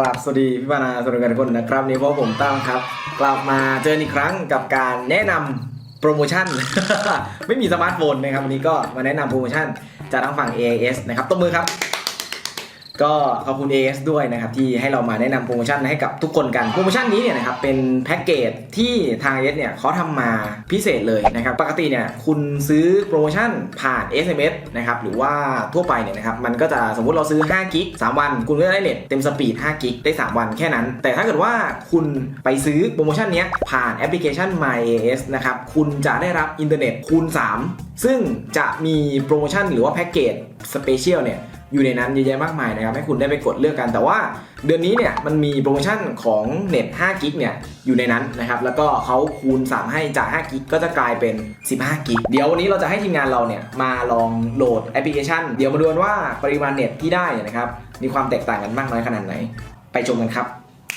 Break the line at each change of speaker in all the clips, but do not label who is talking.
ราบสวัสดีพี่ปานาสวัสดีกันทุกคนนะครับนี่เพราะผมตั้มครับกลับมาเจออีกครั้งกับการแนะนำโปรโมชั่น ไม่มีสมาร์ทโฟนนะครับวันนี้ก็มาแนะนำโปรโมชั่นจากทางฝั่ง AIS นะครับตบมือครับก็ขอบคุณ AIS ด้วยนะครับที่ให้เรามาแนะนำโปรโมชั่นให้กับทุกคนกันโปรโมชั่นนี้เนี่ยนะครับเป็นแพ็กเกจที่ทาง AIS เนี่ยเขาทำมาพิเศษเลยนะครับปกติเนี่ยคุณซื้อโปรโมชั่นผ่าน SMS นะครับหรือว่าทั่วไปเนี่ยนะครับมันก็จะสมมุติเราซื้อ5กิก3วันคุณก็ได้เน็ตเต็มสปีด5กิกได้3วันแค่นั้นแต่ถ้าเกิดว่าคุณไปซื้อโปรโมชั่นนี้ผ่านแอปพลิเคชัน My AIS นะครับคุณจะได้รับอินเทอร์เน็ตคูณ3ซึ่งจะมีโปรโมชั่นหรือว่าแพ็กเกจสเปเชียลเนี่ยอยู่ในนั้นเยอะแยะมากมายนะครับให้คุณได้ไปกดเลือกกันแต่ว่าเดือนนี้เนี่ยมันมีโปรโมชั่นของเน็ต5กิกเนี่ยอยู่ในนั้นนะครับแล้วก็เขาคูณ3ให้จาก5กิกก็จะกลายเป็น15กิกเดี๋ยววันนี้เราจะให้ทีมงานเราเนี่ยมาลองโหลดแอปพลิเคชันเดี๋ยวมาดูกันว่าปริมาณเน็ตที่ได้นะครับมีความแตกต่างกันมากน้อยขนาดไหนไปชมกันครับ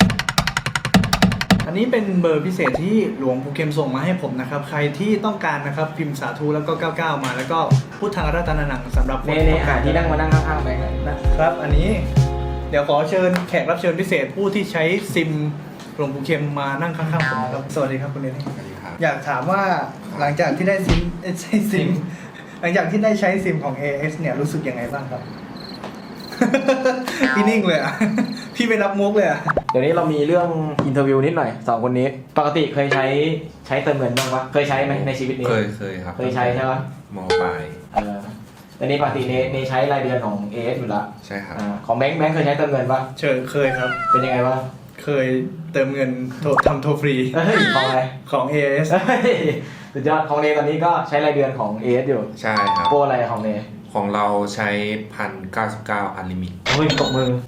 อันนี้เป็นเบอร์พิเศษที่หลวงปู่เข็มส่งมาให้ผมนะครับใครที่ต้องการนะครับพิมพ์สาธุแล้วก็99มาแล้วก็พุทธังรัตนานังสำหรับคนที่ต้องการ
ที่นั่งมานั่งข้างๆไป
นะครับอันนี้เดี๋ยวขอเชิญแขกรับเชิญพิเศษผู้ที่ใช้ซิมหลวงปู่เข็มมานั่งข้างๆผมครับสวัสดีครับคุณเนนี่อยากถามว่าหลังจากที่ได้ซิมหลังจากที่ได้ใช้ซิมของ AIS เนี่ยรู้สึกยังไงบ้างครับ พี่นิ่งเลยอ่ะ พี่ไม่รับมุกเลยอ่ะ
เดี๋ยวนี้เรามีเรื่องอินเทอร์วิวนิดหน่อย2คนนี้ปกติเคยใช้เติมเงินบ้างปะเคยใช้ไหมในชีวิตนี้
เคยครับ
เคยใช้ใช่ปะ
มอปลาย
แต่นี่ปกติในใช้รายเดือนของ AIS อยู่ละ
ใช่ครับ
ของแบงค์เคยใช้เติมเงินปะ
เคยครับ
เป็นยังไงวะ
เคยเติมเงินทำโทรฟรี
ของอะไร
ของ AIS
สุดยอดของเนตอนนี้ก็ใช้รายเดือนของ AIS อยู่
ใช่ครับ
โปรอะไรของเน
ของเราใช้1,099อันลิมิต
เฮ้ยตบมือ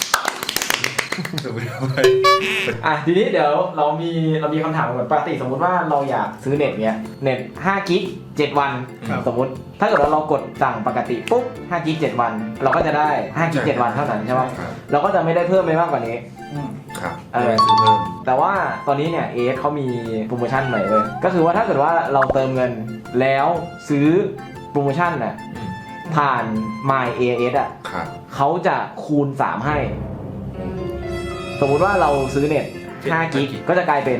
ทีนี้เดี๋ยวเรามีคำถามก่อนปกติสมมุติว่าเราอยากซื้อเน็ตเนี้ยเน็ต5กิก7วันสมมุติถ้าเกิดเรากดสั่งปกติปุ๊บ5กิก7วันเราก็จะได้5กิก7วันเท่านั้นใช่ไหมเราก็จะไม่ได้เพิ่มไปมากกว่านี้
ครับซื้อเพิ่ม
แต่ว่าตอนนี้เนี่ยAISเขามีโปรโมชั่นใหม่เลยก็คือว่าถ้าเกิดว่าเราเติมเงินแล้วซื้อโปรโมชั่นน่ะผ่าน My AIS อ่ะเขาจะคูณ3ให้สมมุติว่าเราซื้อเน็ต5กิกก็จะกลายเป็น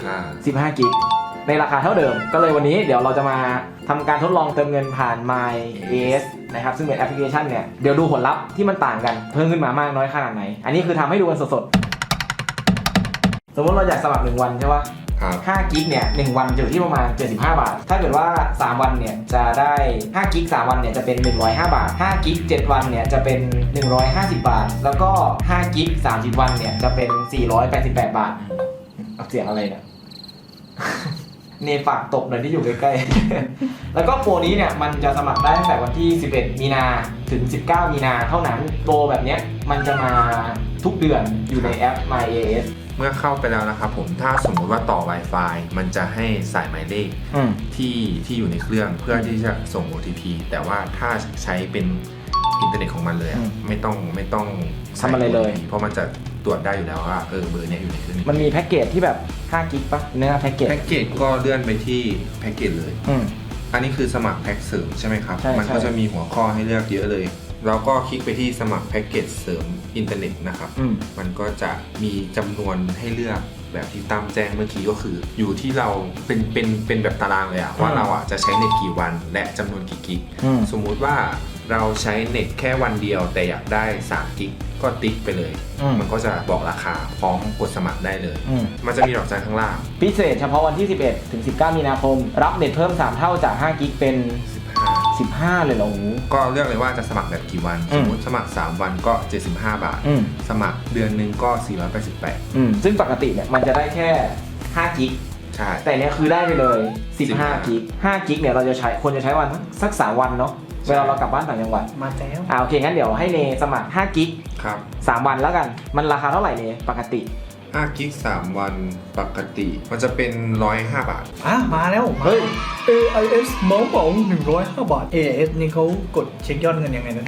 15กิกในราคาเท่าเดิมก็เลยวันนี้เดี๋ยวเราจะมาทำการทดลองเติมเงินผ่าน My AIS นะครับซึ่งเป็นแอปพลิเคชันเนี่ยเดี๋ยวดูผลลัพธ์ที่มันต่างกันเพิ่มขึ้นมามากน้อยขนาดไหนอันนี้คือทำให้ดูกันสดๆสมมติเราอยากสมัคร1วันใช่ปะ5กิกเนี่ย1วันจะอยู่ที่ประมาณ75 บาทถ้าเกิดว่า3วันเนี่ยจะได้5กิก3วันเนี่ยจะเป็น105 บาท5กิก7วันเนี่ยจะเป็น150 บาทแล้วก็5กิก30วันเนี่ยจะเป็น488 บาทเอาเสียงอะไรเนี่ย เนฝากตบหน่อยที่อยู่ใกล้ๆ แล้วก็โปรนี้เนี่ยมันจะสมัครได้ตั้งแต่วันที่11มีนาถึง19มีนาเท่านั้นโปรแบบเนี้ยมันจะมาทุกเดือนอยู่ในแอป My AIS
เมื่อเข้าไปแล้วนะครับผมถ้าสมมุติว่าต่อ Wi-Fi มันจะให้สายหมายเลขที่อยู่ในเครื่องเพื่อที่จะส่ง OTP แต่ว่าถ้าใช้เป็นอินเทอร์เน็ตของมันเลยไม่ต้อง
ทำอะไรเลย
เพราะมันจะตรวจได้อยู่แล้วว่าเบอร์เนี้ยอยู่ในเครื่อง
มันมีแพ็กเกจที่แบบ5กิกป่ะเนื้อแพ็กเกจ
ก็เลื่อนไปที่แพ็กเกจเลยอันนี้คือสมัครแพ็กเสริมใช่ไหมครับมันก็จะมีหัวข้อให้เลือกเยอะเลยแล้วก็คลิกไปที่สมัครแพ็กเกจเสริมอินเทอร์เน็ตนะครับมันก็จะมีจำนวนให้เลือกแบบที่ตั้มแจ้งเมื่อกี้ก็คืออยู่ที่เราเป็นแบบตารางเลยอะว่าเราอะจะใช้เน็ตกี่วันและจำนวนกี่กิกสมมุติว่าเราใช้เน็ตแค่วันเดียวแต่อยากได้3กิกก็ติ๊กไปเลยมันก็จะบอกราคาพร้อมกดสมัครได้เลยมันจะมีดอกจันข้างล่าง
พิเศษเฉพาะวันที่11ถึง19มีนาคมรับเน็ตเพิ่ม3เท่าจาก5กิกเป็น15เลยเหรอ
ก็เลือกเลยว่าจะสมัครแบบกี่วันสมมติสมัคร3วันก็75 บาทสมัครเดือนนึงก็488
ซึ่งปกติเนี่ยมันจะได้แค่5กิก
ใช่
แต่เนี้ยคือได้ไปเลย15กิก5กิกเนี่ยเราจะใช้ควรจะใช้วันสัก3วันเนาะเวลาเรากลับบ้านต่างจังหวัด
มาแล้ว
โอเคงั้นเดี๋ยวให้เนสมัคร5กิก
ครับ
3วันแล้วกันมันราคาเท่าไหร่เนปกติ
5กิก3วันปกติมันจะเป็น105 บาท
มาแล้วเฮ้ย AIS เหมา105 บาท AIS นี่เขากดเช็คยอดเงินยังไงนะ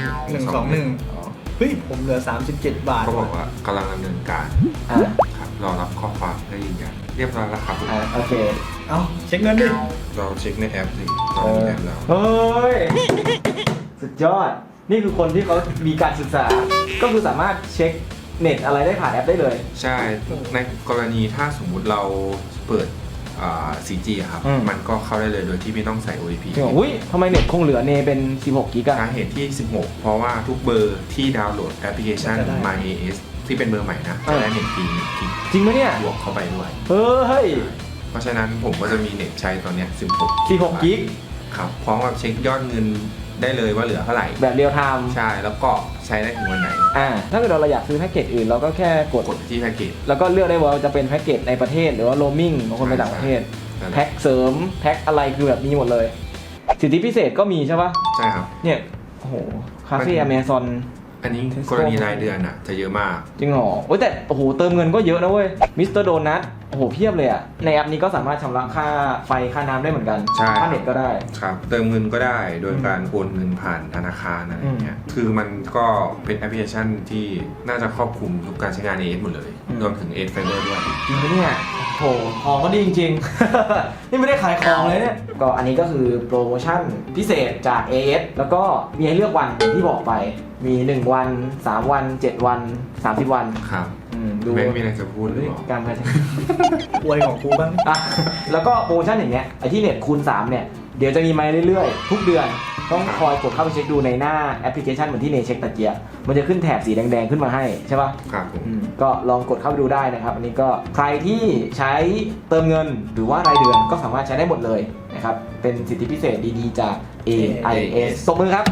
121เฮ้ยผมเหลือ37 บาท
เขาบอกว่ากำลังดำเนินการครับรอรับข้อความให้ยืนยันเรียบร้อยแล้วครับ
โอเค
เอาเช็คเงินดิ
เราเช็คในแอปสิเราในแอปแล้ว
เฮ้ยสุดยอดนี่คือคนที่เขามีการศึกษาก็คือสามารถเช็คเน็ตอะไรได้ผ่านแอปได้เลย
ใช่ในกรณีถ้าสมมุติเราเปิด4G อะครับ มันก็เข้าได้เลยโดยที่ไม่ต้องใส่ OTP
จริงเหรออุ้ยทำไมเน็ตคงเหลือเนเป็น16กิกอะ
สาเหตุที่ 16 เพราะว่าทุกเบอร์ที่ดาวน์โหลดแอปพลิเคชัน MyAS ที่เป็นเบอร์ใหม่นะจะได้เน็ตฟรี1 กิก
จริงไหมเนี่ย
บวกเข้าไปด้วย
เฮ้ย
เพราะฉะนั้นผมก็จะมีเน็ตใช้ตอนเนี้ย
16กิก
ครับพร้อมกับเช็คยอดเงินได้เลยว่าเหลือเท่าไหร่
แบบเรียลไทม์
ใช่แล้วก็ใช้ได้ถึงวันไหน
ถ้าเกิดเราอยากซื้อแพ็กเกจอื่นเราก็แค่กด
ที่แพ็กเกจ
แล้วก็เลือกได้ว่าจะเป็นแพ็กเกจในประเทศหรือว่าโรมมิ่งบางคนไปต่างประเทศ แพ็กเสริมแพ็กอะไรคือแบบมีหมดเลย สิทธิพิเศษก็มีใช่ปะ
ใช่ครับ
เนี่ยโอ้โหคาเฟ่อเมซอน
อันนี้กรณีรายเดือนอ่ะจะเยอะมาก
จริงเหรอโอ้ยแต่โอ้โหเติมเงินก็เยอะนะเว้ยมิสเตอร์โดนัทโอ้โหเพียบเลยอะในแอปนี้ก็สามารถชำระค่าไฟค่าน้ำได้เหมือนกัน
ใช่
ค่าเน็ตก็ได้
ครับเติมเงินก็ได้โดยการโอนเงินผ่านธนาคารอะไรอย่างเงี้ยคือมันก็เป็นแอปพลิเคชันที่น่าจะครอบคลุมทุกการใช้งาน AS หมดเลยรวมถึง AS Fiber ด้วย
จริงปะเนี่ยโหของก็ดีจริงๆ นี่ไม่ได้ขายของเลยเนี่ยก็อันนี้ก็คือโปรโมชั่นพิเศษจาก AS แล้วก็มีให้เลือกวันอย่างที่บอกไปมี1วัน3วัน7วัน30วัน
ครับ
ดู
ไม่มีอะไรจะพูดหรือเปล่า
การพัฒนา
อวยของกูบ้าง
อ่ะแล้วก็โปรโมชั่นอย่างเงี้ยไอที่เน็ตคูณ3เนี่ยเดี๋ยวจะมีมาเรื่อยๆทุกเดือนต้องคอยกดเข้าไปเช็คดูในหน้าแอปพลิเคชันเหมือนที่เนเช็คตะเกียบมันจะขึ้นแถบสีแดงๆขึ้นมาให้ใช่ป่ะ
ครับผม
ก็ลองกดเข้าไปดูได้นะครับอันนี้ก็ใครที่ใช้เติมเงินหรือว่ารายเดือนก็สามารถใช้ได้หมดเลยนะครับเป็นสิทธิพิเศษดีๆจาก AIS ตบมือครับ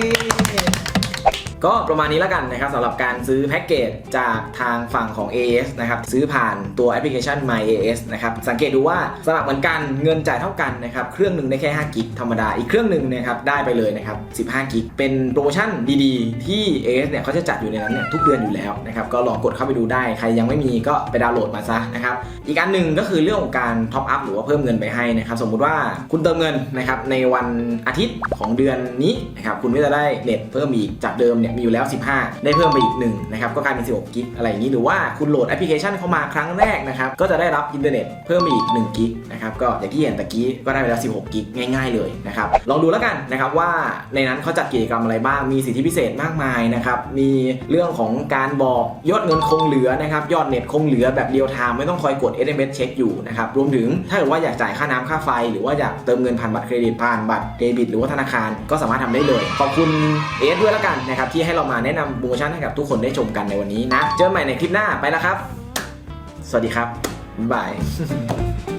ก็ประมาณนี้แล้วกันนะครับสำหรับการซื้อแพ็กเกจจากทางฝั่งของ AS นะครับซื้อผ่านตัวแอปพลิเคชัน MyAS นะครับสังเกตดูว่าสมัครเหมือนกันเงินจ่ายเท่ากันนะครับเครื่องหนึ่งได้แค่5กิกธรรมดาอีกเครื่องหนึ่งนะครับได้ไปเลยนะครับ15กิกเป็นโปรโมชั่นดีๆที่ AS เนี่ยเขาจะจัดอยู่ในนั้นเนี่ยทุกเดือนอยู่แล้วนะครับก็ลองกดเข้าไปดูได้ใครยังไม่มีก็ไปดาวน์โหลดมาซะนะครับอีกอันหนึ่งก็คือเรื่องของการท็อปอัพหรือว่าเพิ่มเงินไปให้นะครับสมมุติว่าคุณเติมเงินนะครับในวันอาทิตย์ของเดือนนี้นะครับคุณก็จะได้เน็ตเพิ่มอีกจากเดิมเนี่ยมีอยู่แล้ว15ได้เพิ่มไปอีก1นะครับก็กลายเป็น16กิกอะไรอย่างนี้หรือว่าคุณโหลดแอปพลิเคชันเข้ามาครั้งแรกนะครับก็จะได้รับอินเทอร์เน็ตเพิ่มอีก1กิกนะครับก็อย่างที่เห็นตะกี้ก็ได้ไปแล้ว16กิกง่ายๆเลยนะครับลองดูแล้วกันนะครับว่าในนั้นเขาจัดกิจกรรมอะไรบ้างมีสิทธิพิเศษมากมายนะครับมีเรื่องของการบอกยอดเงินคงเหลือนะครับยอดเน็ตคงเหลือแบบเรียลไทม์ไม่ต้องคอยกด SMS เช็คอยู่นะครับรวมถึงถ้าเกิดว่าอยากจ่ายค่าน้ำค่าไฟหรือว่าอยากเติมเงินผ่านบัตรเครดิตผ่านบัตรเดบิตหรือว่าธนาคารก็สามารถทำได้เลยขอบคุณเอสด้วยแล้วกันนะครับที่ให้เรามาแนะนำโปรโมชั่นให้กับทุกคนได้ชมกันในวันนี้นะเจอกันใหม่ในคลิปหน้าไปแล้วครับสวัสดีครับบ๊ายบาย